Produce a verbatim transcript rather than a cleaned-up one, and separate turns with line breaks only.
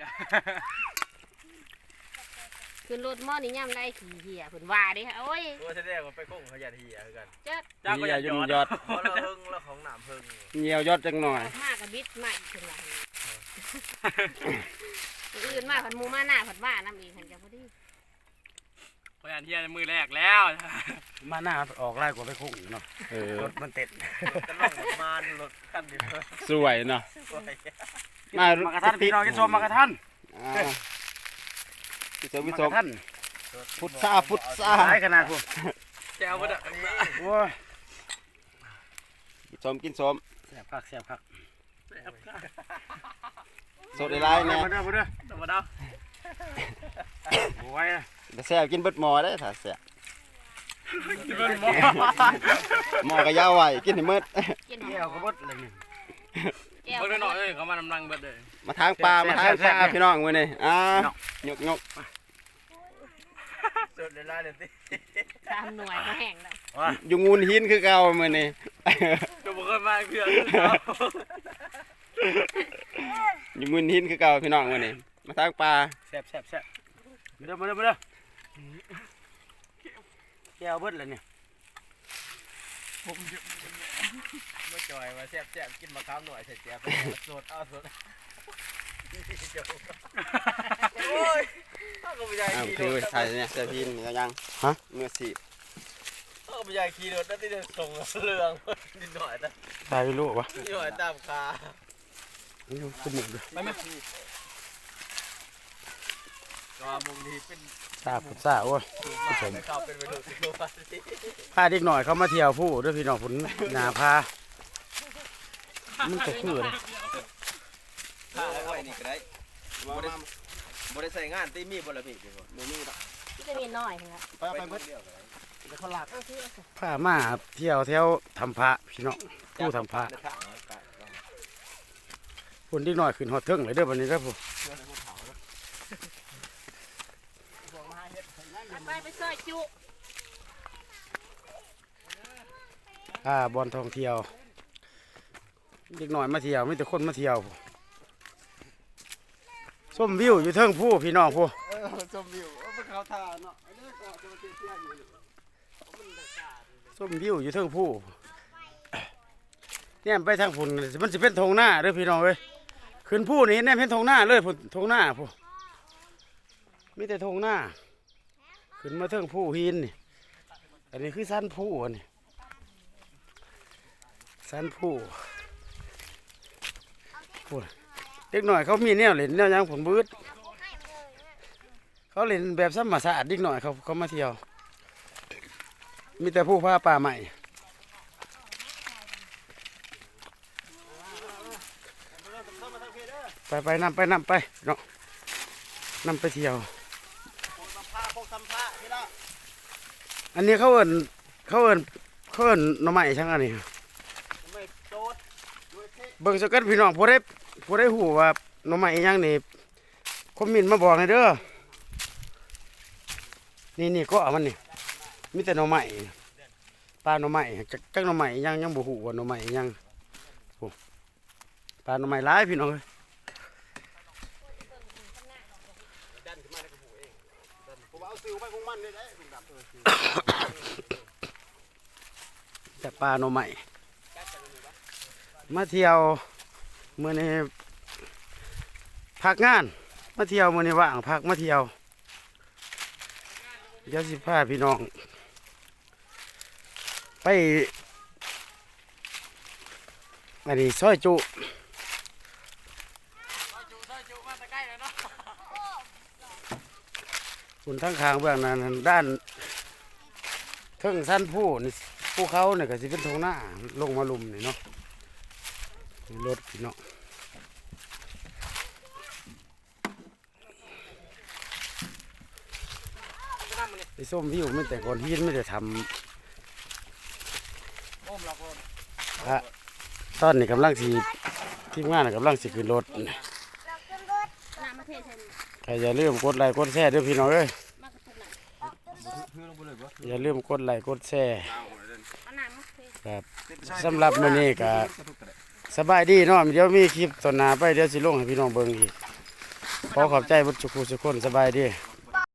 ขึ้นรถมอนี่ย่ำได้ขี่เหี้ยเพิ่นว่าดิโอ้ย
ว่าแสดงว่าไปโค้งเขาหยัดเหี้ยคือกัน
เจ้า
เจ้าก็อย่ายุ่งยอด
เพราะเราเพิ่งเราของหนามเพิ่ง
เหี่ยวยอดจังหน่อย
มากกับบิดใหม่ขึ้นว่าอื่นมาผัดมูมาหน้าผัดว่าน้ำอีกหันจะพอดี
พยานเที่ยมือแรกแล้วมาหน้าออกไล่กว่าไปโค้งเนาะเออรถมันเต็ด
จะล่องมานรถคันนี้
สวยเนาะมามากระทันพี่น้องกินส้มมากระทันกินส้มกินส้มพุทธาพุทธาขนาดพวก
แก้วมันอ่ะ
โอ้ยกินส้มกินส้มแซ่บคักแซ่บคักสดได้ไรเนี่ยมาเด้อมาเด้อมาเด้อโอ้ยแต่แซ่บกินเบิดหม้อได้ถ้าแซ่บกินเบิดหม้อหม้อก็ยาวไว้กินให้หมด
กิน
แก้วก็เบิดเลยนี่
เบิดหน่อยเอ้ยเขามานำลังเบิดเลย
มาทางปลามาทางปลาพี่น้องมื้อนี้อ่ายกยก
สดได้ไรเด้อติ
ตามหน่วยก็แห้งแล้ว
อยู่งูนหินคือเก่ามื้อนี้
ก็บ่เคยมาเพื่อน
อยู่งูนหินคือเก่าพี่น้องมื้อนี้มาทางปลา
แซ่บแซ่บแซ่บ
มาเด้อมาเด้อมาเด้อแก้วเบิดเลยเนี่ย
ผมไม่จ่อยมาแซ่บแซ่บกินมะขามหน่อยใส่แจ่วสดเอาสดโอ้ยก็ไม่ใช่ขี่รถ
ถ่ายเนี่ยเสื้อพินนี่ยังฮะเมื่อสิ
ก็ไม่ใช่ขี่รถนั่นที่จะส่งเรื่องนิดหน่อยนะ
ถ่ายไปรู้ปะ
นิดหน่อยตามคา
นี่จมูกเลย
ไม่ไม่ก็มุมนี้เป็น
ซาผมซาโอ้ยผู้ชมพาเด็กหน่อยเขามาเที่ยวผู้ด้วยพี่น้องผลหนาพามันตกคือเลย
พาเอาไว้นี่ก็ได้บ่ได้บ่ได้ใส่งานตีมีบ่ละพี่บ่มีดอก
ที่จะมีน้อยครับ
ไปไปเบิดแล้วเขาลาก
พามาเที่ยวแถวทำพระพี่น้องผู้ทำพระคนเด็กหน่อยขึ้นหอดเทิงเลยเด้อวันนี้ครับผม
ไปไปซอยจุ
อ่าบอลท่องเที่ยวเด็กหน่อยมาเที่ยวไม่แต่คนมาเที่ยวส้มวิวอยู่เทิงผู้พี่น้องผู้
ส้มวิวเป็นเขาทาเนาะ
ส้มวิวอยู่เทิงผู้เนี่ยไปทางฝุ่นมันจะเป็นทงหน้าเด้อพี่น้องเว้ยขึ้นผู้นี่เนี่ยเป็นทงหน้าเลยฝุ่นทงหน้าผู้มีแต่ทงหน้าขึ้นมาเทิงผู้หินนี่อันนี้คือสั้นผู้อันนี้สั้นผู้ผู้เด็กหน่อยเขามีแนวเล่นแนวยังผลบืดเขาเล่นแบบซ้ำมาสะอาดเด็กหน่อยเขาเขามาเที่ยวมีแต่ผู้พาป่าใหม่ไปไปนำไปนำไปเนาะนำไปเที่ยวอันนี้เขาเอิญเขาเอิญเขาเอิญหน่อไม้ช่างอันนี้เบิ่งสกัดพี่น้องผู้ได้ผู้ได้หูว่าหน่อไม้ยังนี่คอมเมนต์มาบอกให้เด้อนี่นี่ก็มันนี่มีแต่หน่อไม้ปลาหน่อไม้จักจักหน่อไม้ยังยังบ่หูว่าหน่อไม้ยังปลาหน่อไม้หลายพี่น้องเอ้ยแต่ปลาโนใหม่มาเที่ยวเมื่อนี้พักงานมาเที่ยวเมื่อนี้ว่างพักมาเที่ยวเดี๋ยวสิพาพี่น้องไปอันนี้ซอยจุคุณทั้งคางเบื้องนั้นด้านเทิงสั้นผู้นี่ผู้เขาเนี่ยก็จะเป็นทงหน้าลงมาลุมนี่เนาะรถพี่เนาะไอ้ส้มวิวไม่แต่ก่อนหินไม่ได้ทำตอนนี้กำลังสีทีมงานกำลังสีขึ้นรถใครอย่าลืมกดไลค์กดแชร์ด้วยพี่น้องเอ้ยอย่าลืมกดไลค์กดแชร์ครับสำหรับมื้อนี้ก็สบายดีเนาะเดี๋ยวมีคลิปตอนหน้าไปเดี๋ยวสิลงให้พี่น้องเบิ่งอีกขอขอบใจบุตรสุขุสุคนสบายดี